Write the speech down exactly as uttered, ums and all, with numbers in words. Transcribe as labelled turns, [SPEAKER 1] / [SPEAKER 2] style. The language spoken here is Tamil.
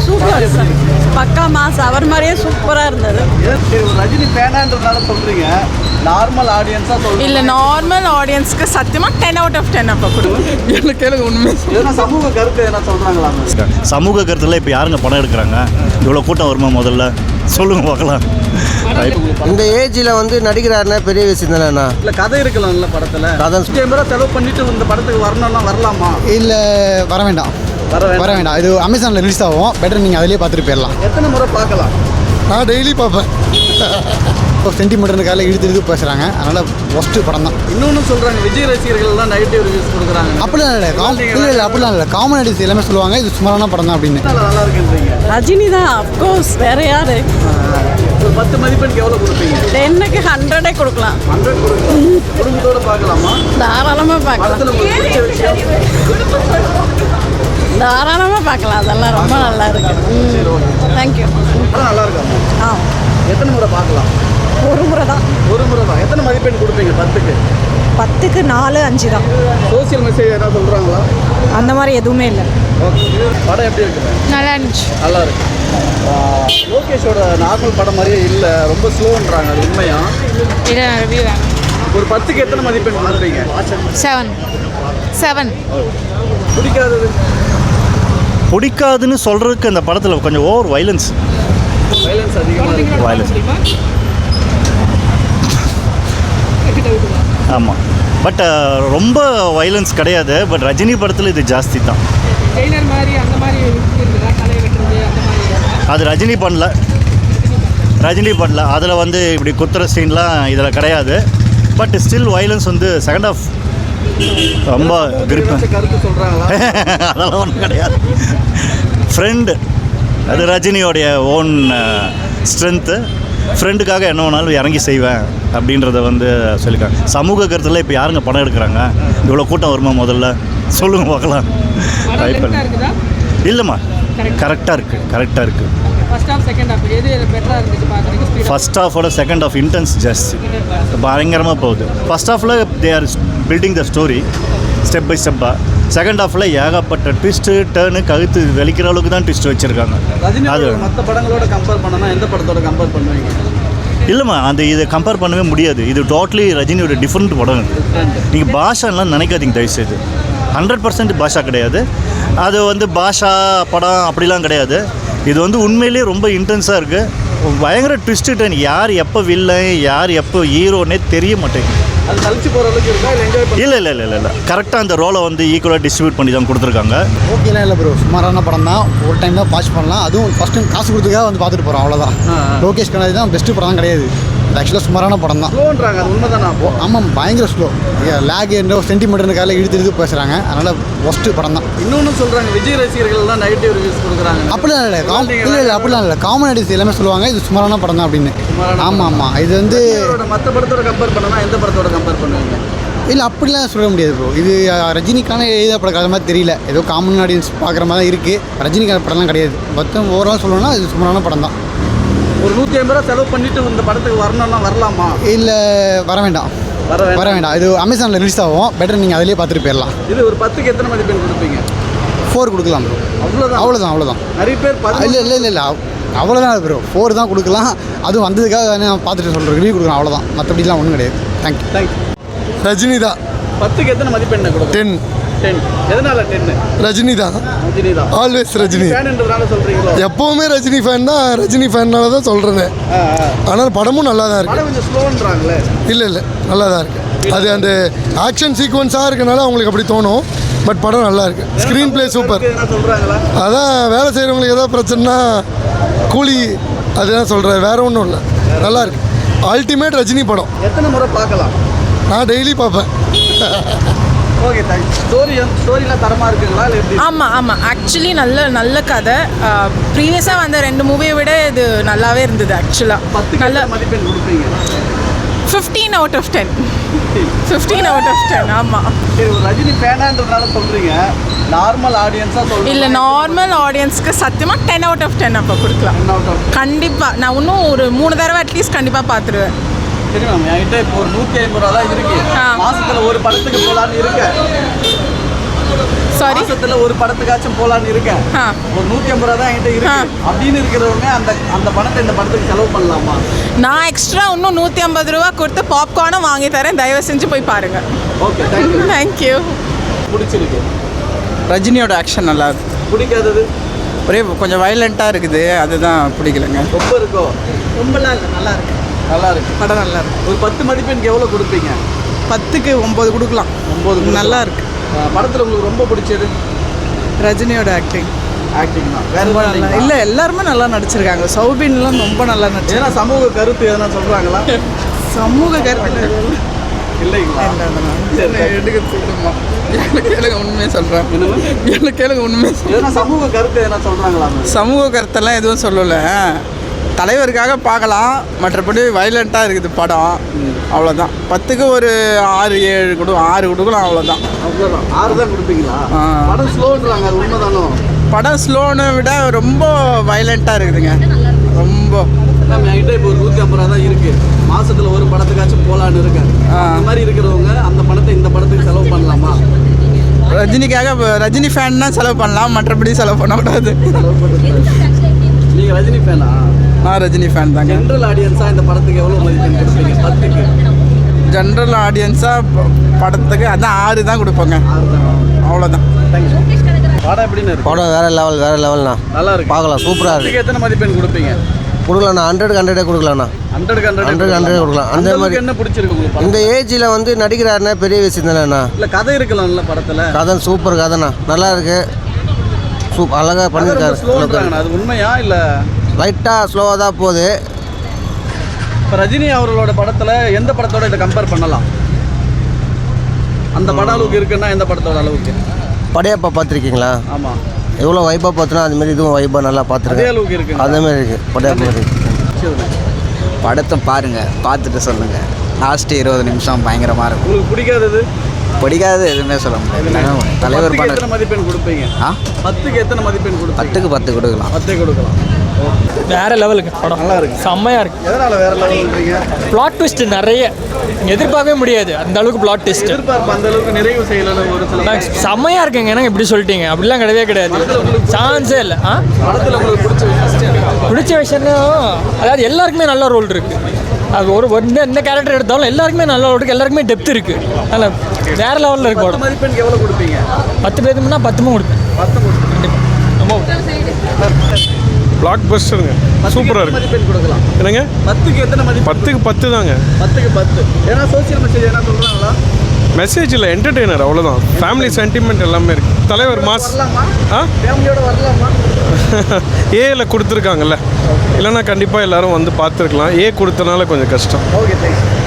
[SPEAKER 1] சூப்பர் சார், பக்கா மாஸ், அவர் மாதிரியே சூப்பராக இருந்தது.
[SPEAKER 2] ரஜினி ஃபேனான்றதுனால சொல்கிறீங்க, நார்மல் ஆடியன்ஸாக சொல்லுங்கள்.
[SPEAKER 3] இல்லை, நார்மல் ஆடியன்ஸ்க்கு சத்தியமாக டென் அவுட் ஆஃப் டென் அப்போ கொடுக்கும். எனக்கு கேளுங்க உண்மை.
[SPEAKER 2] எதனா சமூக கருத்து எதனா சொல்கிறாங்களா?
[SPEAKER 4] சமூக கருத்தில் இப்போ யாருங்க படம் எடுக்கிறாங்க? இவ்வளோ கூட்டம் வருமா முதல்ல சொல்லுங்க பார்க்கலாம்.
[SPEAKER 5] இந்த ஏஜில் வந்து நடிக்கிறாருன்னா பெரிய விஷயம் தானேண்ணா.
[SPEAKER 2] இல்லை கதை இருக்கலாம்ல படத்தில்.
[SPEAKER 5] கதை
[SPEAKER 2] கேமரா செலவு பண்ணிட்டு இந்த படத்துக்கு வரணும்னா வரலாமா?
[SPEAKER 6] இல்லை, வர வேண்டாம்
[SPEAKER 2] வர
[SPEAKER 6] வர வேண்டாம். இது அமேசானில் ரிலீஸ் ஆகும், பெட்டர் நீங்கள் அதிலே பார்த்துட்டு போயிடலாம்.
[SPEAKER 2] எத்தனை முறை பார்க்கலாம்?
[SPEAKER 6] நான் டெய்லி பார்ப்பேன். இப்போ சென்டிமீட்டருக்கால இழுத்து இழுத்து பேசுகிறாங்க, அதனால் ஒஸ்ட்டு படம் தான்.
[SPEAKER 2] இன்னொன்று சொல்கிறாங்க, விஜய் ரசிகர்கள்லாம் நெகட்டிவ் ரிவ்யூஸ் கொடுக்குறாங்க.
[SPEAKER 6] அப்படிலாம் இல்லை, இல்லை இல்லை அப்படிலாம் இல்லை. காமெடிஸ் எல்லாமே சொல்லுவாங்க இது சுமாரான படம் தான் அப்படின்னு.
[SPEAKER 2] நல்லா இருக்குன்றீங்க.
[SPEAKER 1] ரஜினி தான் அஃப்கோர்ஸ், வேற யாரு?
[SPEAKER 2] ஒரு பத்து மதிப்பெண்க்கு எவ்வளோ கொடுப்பீங்க?
[SPEAKER 1] டென்னுக்கு ஹண்ட்ரடே கொடுக்கலாம்.
[SPEAKER 2] ஹண்ட்ரட் கொடுக்கலாம். குடும்பத்தோடு பார்க்கலாமா?
[SPEAKER 1] தாராளமாக பார்க்கலாம்,
[SPEAKER 2] படத்தில் உங்களுக்கு பிடிச்ச விஷயம்?
[SPEAKER 1] தாராளமாக பார்க்கலாம். அதெல்லாம் ரொம்ப நல்லா இருக்கு. தேங்க்யூ.
[SPEAKER 2] படம் நல்லா இருக்காமா?
[SPEAKER 1] ஆ,
[SPEAKER 2] எத்தனை முறை பார்க்கலாம்?
[SPEAKER 1] ஒரு முறை தான்.
[SPEAKER 2] ஒரு முறை தான். எத்தனை மதிப்பெண் கொடுப்பீங்க பத்துக்கு?
[SPEAKER 1] பத்துக்கு நாலு அஞ்சு தான்.
[SPEAKER 2] சோசியல் மெசேஜ் எதாவது சொல்கிறாங்களா?
[SPEAKER 1] அந்த மாதிரி எதுவுமே இல்லை.
[SPEAKER 2] ஓகே. படம் எப்படி இருக்குது?
[SPEAKER 3] நல்லா இருந்துச்சு.
[SPEAKER 2] நல்லா இருக்கு. லோகேஷோட நார்மல் படம் மாதிரியே இல்லை, ரொம்ப ஸ்லோன்றாங்க, அது உண்மையா?
[SPEAKER 3] இல்லை, ரிவ்யூ வேணும்.
[SPEAKER 2] ஒரு பத்துக்கு எத்தனை மதிப்பெண் கொடுப்பீங்க?
[SPEAKER 3] செவன் செவன்
[SPEAKER 2] பிடிக்காதது?
[SPEAKER 4] பிடிக்காதுன்னு சொல்கிறதுக்கு அந்த படத்தில் கொஞ்சம் ஓவர் வைலன்ஸ்
[SPEAKER 2] வைலன்ஸ் அதிகமாக இருக்கு.
[SPEAKER 4] வைலன்ஸ் ஆமாம். பட் ரொம்ப வைலன்ஸ் கிடையாது. பட் ரஜினி படத்தில் இது ஜாஸ்தி தான். அது ரஜினி பண்ணல, ரஜினி பண்ணல. அதில் வந்து இப்படி குத்துற சீன்லாம் இதில் கிடையாது. பட் ஸ்டில் வைலன்ஸ் வந்து செகண்ட் ஆஃப் ரொம்ப கிரிப்.
[SPEAKER 2] கருத்து சொல்கிறாங்களா?
[SPEAKER 4] அதெல்லாம் ஒன்றும் கிடையாது. ஃப்ரெண்டு, அது ரஜினியோடைய ஓன் ஸ்ட்ரென்த்து. ஃப்ரெண்டுக்காக என்ன வேணாலும் இறங்கி செய்வேன் அப்படின்றத வந்து சொல்லியிருக்காங்க. சமூக கருத்தில் இப்போ யாருங்க படம் எடுக்கிறாங்க? இவ்வளோ கூட்டம் வருமா முதல்ல சொல்லுங்க பார்க்கலாம். இல்லைம்மா, கரெக்டாக இருக்குது, கரெக்டாக இருக்குது. ஃபஸ்ட் ஹாஃபோட செகண்ட் ஹாஃப் இன்டென்ஸ் ஜாஸ்தி, பயங்கரமாக போகுது. ஃபஸ்ட் ஹாஃபில் they are building the story step by ஸ்டெப்பாக. செகண்ட் ஹாஃபில் ஏகப்பட்ட ட்விஸ்ட்டு டேர்னு கழுத்து வெளிக்கிற அளவுக்கு தான் ட்விஸ்ட் வச்சுருக்காங்க. அது
[SPEAKER 2] மற்ற படங்களோட கம்பேர் பண்ணனா எந்த படத்தோட கம்பேர் பண்ணுவீங்க?
[SPEAKER 4] இல்லைம்மா, அந்த இதை கம்பேர் பண்ணவே முடியாது. இது டோட்டலி ரஜினியோட டிஃப்ரெண்ட் படம். இது நீங்கள் பாஷாலாம் நினைக்காதீங்க தயவுசெய்து. ஹண்ட்ரட் பர்சன்ட் பாஷா கிடையாது. அது வந்து பாஷா படம் அப்படிலாம் கிடையாது. இது வந்து உண்மையிலே ரொம்ப இன்டென்ஸாக இருக்குது. பயங்கர ட்விஸ்ட்டு டர்ன். யார் எப்போ வில்லன், யார் எப்போ ஹீரோன்னே தெரிய மாட்டேங்குது.
[SPEAKER 2] அது கழிச்சு போகிற அளவுக்கு இருக்கா இல்லை என்ஜாய் பண்ணி?
[SPEAKER 4] இல்லை இல்லை இல்லை இல்லை கரெக்டாக அந்த ரோலை வந்து ஈக்குவலாக டிஸ்ட்ரிபியூட் பண்ணி தான் கொடுத்துருக்காங்க.
[SPEAKER 6] ஓகேலாம் இல்லை ப்ரோ, சுமாரான படம் தான். ஒரு டைம் தான் வாட்ச் பண்ணலாம். அதுவும் ஃபஸ்ட் டைம் காசு கொடுத்துக்காக வந்து பார்த்துட்டு போகிறோம், அவ்வளோதான். லோகேஷ் கனாதி தான் பெஸ்ட்டு படம் கிடையாது. ஆக்சுவலாக சுமாரான படம் தான்.
[SPEAKER 2] ஸ்லோன்றாங்க, அது உண்மை தானே?
[SPEAKER 6] ஆமாம், பயங்கர ஸ்லோ. லேக் என்ன சென்டிமீட்டருக்கால இழுத்து இழுத்து பேசுகிறாங்க, அதனால் ஒஸ்ட்டு படம் தான்.
[SPEAKER 2] இன்னொன்று சொல்கிறாங்க, விஜய் ரசிகர்கள்லாம் நெகட்டிவ் ரிவ்யூஸ் கொடுக்குறாங்க.
[SPEAKER 6] அப்படிலாம் இல்லை, இல்லை இல்லை அப்படிலாம் இல்லை. காமெடிஸ் எல்லாமே சொல்லுவாங்க இது சுமாரான படம் தான் அப்படின்னு. ஆமாம் ஆமாம். இது வந்து
[SPEAKER 2] மற்ற படத்தோட கம்பேர் பண்ணனா எந்த படத்தோட கம்பேர் பண்ணுவீங்க?
[SPEAKER 6] இல்லை, அப்படிலாம் சொல்ல முடியாது ப்ரோ. இது ரஜினிக்கான எழுதப்பட கதை மாதிரி தெரியல. ஏதோ காமன் ஆடியன்ஸ் பார்க்குற மாதிரி தான் இருக்குது. ரஜினிக்கான படம்லாம் கிடையாது. மொத்தம் ஓவரால் சொல்லணும்னா இது சுமாரான படம் தான்.
[SPEAKER 2] ஒரு நூற்றி ஐம்பது ரூபா செலவு பண்ணிட்டு இந்த படத்துக்கு வரணும்னா வரலாமா?
[SPEAKER 6] இல்லை, வர வேண்டாம்
[SPEAKER 2] வர
[SPEAKER 6] வர வேண்டாம். இது அமேசானில் ரிலீஸ் ஆகும், பெட்டர் நீங்கள் அதிலே பார்த்துட்டு போயிடலாம்.
[SPEAKER 2] இது ஒரு பத்துக்கு எத்தனை மதிப்பெண் கொடுப்பீங்க?
[SPEAKER 6] ஃபோர் கொடுக்கலாம் ப்ரோ.
[SPEAKER 2] அவ்வளோதான்
[SPEAKER 6] அவ்வளோதான் அவ்வளோதான்.
[SPEAKER 2] நிறைய பேர்
[SPEAKER 6] இல்லை இல்லை இல்லை இல்லை அவ்வளோதான் ப்ரோ. ஃபோர் தான் கொடுக்கலாம். அதுவும் வந்ததுக்காக நான் பார்த்துட்டு சொல்கிறேன், ரிவ்யூ கொடுக்கலாம், அவ்வளோதான். மற்றபடிலாம் ஒன்றும் கிடையாது. Thank you
[SPEAKER 2] thank you.
[SPEAKER 5] ரஜினி தான்.
[SPEAKER 2] பத்துக்கு எத்தனை மதிப்பெண்ணை கொடுக்கும்?
[SPEAKER 5] டென்.
[SPEAKER 2] டென். எதனால டென்னு?
[SPEAKER 5] ரஜினி தான்.
[SPEAKER 2] ரஜினி தான்.
[SPEAKER 5] ஆல்வேஸ் ரஜினி
[SPEAKER 2] ஃபேன்ன்றதுனால சொல்கிறீங்களோ?
[SPEAKER 5] எப்போவுமே ரஜினி ஃபேன் தான். ரஜினி ஃபேன்னால தான் சொல்கிறேன். ஆனால் படமும் நல்லா தான் இருக்குது.
[SPEAKER 2] கொஞ்சம் ஸ்லோன்றாங்களே.
[SPEAKER 5] இல்லை இல்லை நல்லா தான் இருக்குது. அது அந்த ஆக்ஷன் சீக்வன்ஸாக இருக்கனால அவங்களுக்கு அப்படி தோணும். பட் படம் நல்லா இருக்குது. Screenplay super.
[SPEAKER 2] சொல்கிறாங்களா?
[SPEAKER 5] அதான் வேலை செய்கிறவங்களுக்கு ஏதாவது பிரச்சனைனா கூலி அதுதான் சொல்கிறேன், வேறு ஒன்றும் இல்லை. நல்லா இருக்குது. அல்டிமேட் ரஜினி படம்.
[SPEAKER 2] எத்தனை முறை பார்க்கலாம்?
[SPEAKER 5] நான் டெய்லி பார்ப்பேன்.
[SPEAKER 2] Okay, thanks. ஸ்டோரி ஸ்டோரிலாம் தரமாக இருக்குங்களா இல்லை எப்படி?
[SPEAKER 3] ஆமாம் ஆமாம், ஆக்சுவலி நல்ல நல்ல கதை. ப்ரீவியஸாக வந்த ரெண்டு மூவியை விட இது நல்லாவே இருந்தது ஆக்சுவலாக.
[SPEAKER 2] பத்து நல்ல மதிப்பெண் கொடுப்பீங்க?
[SPEAKER 3] Fifteen out of ten. Fifteen out of ten. ஆமாம்.
[SPEAKER 2] சரி, ஒரு ரஜினி ஃபேனான்றதுனால சொல்கிறீங்க, நார்மல் ஆடியன்ஸாக சொல்கிறீங்க?
[SPEAKER 3] இல்லை, நார்மல் ஆடியன்ஸ்க்கு சத்தியமாக டென் அவுட் ஆஃப் டென் அப்போ கொடுக்கலாம்.
[SPEAKER 2] டென் அவுட் ஆஃப்
[SPEAKER 3] கண்டிப்பாக. நான் இன்னும் ஒரு மூணு தடவை அட்லீஸ்ட் கண்டிப்பாக பார்த்துருவேன்.
[SPEAKER 2] சரி மேம், என்கிட்ட இப்போ ஒரு நூற்றி ஐம்பது ரூபா தான் இருக்கு. மாசத்துல ஒரு படத்துக்கு போகலான்னு இருக்க.
[SPEAKER 3] Sorry?
[SPEAKER 2] மாசத்துல ஒரு படத்துக்காச்சும் போலான்னு இருக்கேன்
[SPEAKER 3] ஆ.
[SPEAKER 2] ஒரு நூற்றி ஐம்பது ரூபா தான் என்கிட்ட இருக்கு அப்படின்னு இருக்கிறவங்க அந்த அந்த பணத்தை இந்த படத்துக்கு செலவு பண்ணலாமா?
[SPEAKER 3] நான் எக்ஸ்ட்ரா இன்னும் நூற்றி ஐம்பது ரூபா கொடுத்து பாப்கார்னும் வாங்கி தரேன், தயவு செஞ்சு போய் பாருங்கள்.
[SPEAKER 2] Okay, thank you.
[SPEAKER 3] தேங்க்யூ.
[SPEAKER 2] பிடிச்சிருக்கு.
[SPEAKER 7] ரஜினியோட ஆக்ஷன் நல்லா இருக்கு.
[SPEAKER 2] பிடிக்காதது
[SPEAKER 7] ஒரே கொஞ்சம் வயலண்ட்டாக இருக்குது, அதுதான் பிடிக்கலங்க.
[SPEAKER 2] ரொம்ப இருக்கோ?
[SPEAKER 3] ரொம்பலாம் இல்லை, நல்லா இருக்கு.
[SPEAKER 2] நல்லா இருக்கு.
[SPEAKER 7] படம் நல்லா இருக்கு.
[SPEAKER 2] ஒரு பத்து மதிப்பெண்க்கு எவ்வளோ கொடுப்பீங்க?
[SPEAKER 7] பத்துக்கு ஒம்பது கொடுக்கலாம்.
[SPEAKER 2] ஒம்பது.
[SPEAKER 7] நல்லா இருக்கு.
[SPEAKER 2] படத்தில் உங்களுக்கு ரொம்ப பிடிச்சது?
[SPEAKER 7] ரஜினியோட ஆக்டிங்.
[SPEAKER 2] ஆக்டிங் தான். வேற
[SPEAKER 7] ரொம்ப
[SPEAKER 2] எதுவும்
[SPEAKER 7] நல்லா
[SPEAKER 2] இல்லைங்களா?
[SPEAKER 7] இல்லை, எல்லாருமே நல்லா நடிச்சிருக்காங்க. சௌபின்லாம் ரொம்ப நல்லா நடிச்சு.
[SPEAKER 2] ஏன்னா சமூக கருத்து எதனா சொல்கிறாங்களா?
[SPEAKER 7] சமூக கருத்து
[SPEAKER 2] இல்லைங்களா?
[SPEAKER 7] எடுக்க சொல்லுமா? எனக்கு கேளுங்க, உண்மையாக சொல்கிறேன். எனக்கு கேளுங்க, உண்மையாக.
[SPEAKER 2] எதனா சமூக கருத்து எதனா சொல்கிறாங்களா?
[SPEAKER 7] சமூக கருத்தெல்லாம் எதுவும் சொல்லலை. தலைவருக்காக பார்க்கலாம், மற்றபடி வயலண்ட்டாக இருக்குது படம், அவ்வளோதான். பத்துக்கு ஒரு ஆறு ஏழு கொடு ஆறு கொடுக்கலாம், அவ்வளோதான்.
[SPEAKER 2] அவ்வளோதான். ஆறு தான் கொடுப்பீங்களா?
[SPEAKER 7] ஆ.
[SPEAKER 2] படம் ஸ்லோன்றாங்க, அது உண்மைதானோ?
[SPEAKER 7] படம் ஸ்லோனை விட ரொம்ப வயலண்ட்டாக இருக்குதுங்க, ரொம்ப.
[SPEAKER 2] நம்ம என்கிட்ட இப்போ ஒரு நூற்றி ஐம்பது ரூபா தான் இருக்குது, மாதத்தில் ஒரு படத்துக்காச்சும் போகலான்னு இருக்கேன். அந்த மாதிரி இருக்கிறவங்க அந்த படத்தை இந்த படத்துக்கு செலவு பண்ணலாமா?
[SPEAKER 7] ரஜினிக்காக ரஜினி ஃபேன்னா செலவு பண்ணலாம், மற்றபடி செலவு பண்ணக்கூடாது.
[SPEAKER 2] நீங்கள் ரஜினி ஃபேனா?
[SPEAKER 7] நான் ரஜினி ஃபேன் தாங்க.
[SPEAKER 2] ஜென்ரல் ஆடியன்ஸாக இந்த படத்துக்கு எவ்வளோ மதிப்பெண் கொடுப்பீங்க? பத்துக்கு
[SPEAKER 7] ஜென்ரல் ஆடியன்ஸாக படத்துக்கு அதான் ஆறு தான் கொடுப்போங்க,
[SPEAKER 2] ஆறு தான்.
[SPEAKER 7] அவ்வளோதான்.
[SPEAKER 2] தேங்க்யூ. படம் எப்படின்னு இருக்கு?
[SPEAKER 8] படம் வேறு லெவல் வேறு லெவல்ண்ணா.
[SPEAKER 2] நல்லா இருக்கு.
[SPEAKER 8] பார்க்கலாம், சூப்பராக இருக்குது.
[SPEAKER 2] பத்துக்கு எத்தனை மதிப்பெண் கொடுப்பீங்க?
[SPEAKER 8] கொடுக்கலாண்ணா, ஹண்ட்ரடுக்கு ஹண்ட்ரடே கொடுக்கலாண்ணா.
[SPEAKER 2] ஹண்ட்ரடுக்கு
[SPEAKER 8] ஹண்ட்ரட்
[SPEAKER 2] ஹண்ட்ரட்
[SPEAKER 8] ஹண்ட்ரடே கொடுக்கலாம். அந்த மாதிரி
[SPEAKER 2] என்ன பிடிச்சிருக்கு உங்களுக்கு?
[SPEAKER 8] இந்த ஏஜில் வந்து நடிக்கிறாருன்னா பெரிய விஷயம் தானேண்ணா.
[SPEAKER 2] இல்லை கதை இருக்கலாம்ல படத்தில்?
[SPEAKER 8] கதை சூப்பர் கதைண்ணா, நல்லா இருக்கு, சூப் அழகாக பண்ணியிருக்காரு.
[SPEAKER 2] ஸ்லோன்றாங்கண்ணா, அது உண்மையா இல்லை?
[SPEAKER 8] லைட்டாக ஸ்லோவாக தான் போகுது.
[SPEAKER 2] இப்போ ரஜினி அவர்களோட படத்தில் எந்த படத்தோட இதை கம்பேர் பண்ணலாம்? அந்த பட அளவுக்கு இருக்குன்னா எந்த படத்தோட அளவுக்கு?
[SPEAKER 8] படையப்பா பார்த்துருக்கீங்களா?
[SPEAKER 2] ஆமாம்.
[SPEAKER 8] எவ்வளோ வைப்பாக பார்த்தோன்னா அதுமாரி இதுவும் வைப்பாக நல்லா
[SPEAKER 2] அதே
[SPEAKER 8] பார்த்துருக்கேன்.
[SPEAKER 2] அளவுக்கு இருக்கு.
[SPEAKER 8] அதேமாரி இருக்குது படையப்பா இருக்குது.
[SPEAKER 9] படத்தை பாருங்கள், பார்த்துட்டு சொல்லுங்கள். லாஸ்ட் இருபது நிமிஷம் பயங்கரமாக இருக்கும்.
[SPEAKER 2] உங்களுக்கு பிடிக்காதது?
[SPEAKER 9] பிடிக்காது எதுவுமே சொல்ல முடியாது. தலைவர்
[SPEAKER 2] பத்துக்கு
[SPEAKER 9] பண்ண
[SPEAKER 2] எத்தனை மதிப்பெண் கொடுப்பீங்க?
[SPEAKER 9] ஆ
[SPEAKER 2] பத்துக்கு எத்தனை மதிப்பெண் கொடுப்பீங்க?
[SPEAKER 9] பத்துக்கு பத்து கொடுக்கலாம்.
[SPEAKER 2] பத்தே கொடுக்கலாம்.
[SPEAKER 10] வேற லெவலுக்கு படம்
[SPEAKER 2] நல்லா இருக்கு.
[SPEAKER 10] செம்மையாக இருக்குது.
[SPEAKER 2] எதனால் வேற லெவல்ன்றீங்க?
[SPEAKER 10] பிளாட் ட்விஸ்ட் நிறைய எதிர்பார்க்கவே முடியாது, அந்த அளவுக்கு பிளாட் ட்விஸ்ட்.
[SPEAKER 2] எதிர்பார்ப்பு அந்த அளவுக்கு நிறைவு செய்யல ஒரு சில.
[SPEAKER 10] செம்மையாக இருக்குங்க. ஏன்னா இப்படி சொல்லிட்டீங்க, அப்படிலாம் கிடையவே கிடையாது, சான்ஸே இல்லை. ஆ
[SPEAKER 2] படத்தில் உங்களுக்கு பிடிச்ச விஷயம்?
[SPEAKER 10] பிடிச்ச விஷயம்னா அதாவது எல்லாருக்குமே நல்ல ரோல் இருக்குது. அது ஒரு ஒரு இந்த எந்த கேரக்டர் எடுத்தாலும் எல்லாருக்குமே நல்ல ரோல் இருக்குது, எல்லாருக்குமே டெப்த் இருக்குது. அதனால் வேறு லெவலில் இருக்கு
[SPEAKER 2] பத்து
[SPEAKER 10] படம்.
[SPEAKER 2] மதிப்பெண்க்கு எவ்வளோ கொடுப்பீங்க?
[SPEAKER 10] பத்து பேருக்குன்னா பத்துமும் கொடுப்பேன்.
[SPEAKER 2] பத்து கொடுப்பீங்க.
[SPEAKER 10] கண்டிப்பாக ரொம்ப
[SPEAKER 11] பிளாக் பஸ்டருங்க, சூப்பராக இருக்குது.
[SPEAKER 2] மதிப்பெண் கொடுக்கலாம்.
[SPEAKER 11] என்னங்க?
[SPEAKER 2] பத்துக்கு எத்தனை மதிப்பெண்?
[SPEAKER 11] பத்துக்கு பத்து தாங்க.
[SPEAKER 2] பத்துக்கு பத்து. ஏன்னா சோசியல் மெசேஜ் என்ன சொல்கிறாங்களா?
[SPEAKER 11] மெசேஜ் இல்லை, என்டர்டெய்னர், அவ்வளோதான். ஃபேமிலி சென்டிமெண்ட் எல்லாமே இருக்குது. தலைவர் மாஸ்.
[SPEAKER 2] வரலாமா?
[SPEAKER 11] ஆ
[SPEAKER 2] ஃபேமிலியோட வரலாமா?
[SPEAKER 11] ஏல கொடுத்துருக்காங்கல்ல, இல்லைன்னா கண்டிப்பாக எல்லாரும் வந்து பார்த்துருக்கலாம். ஏ கொடுத்தனால கொஞ்சம் கஷ்டம்.
[SPEAKER 2] Okay, thanks.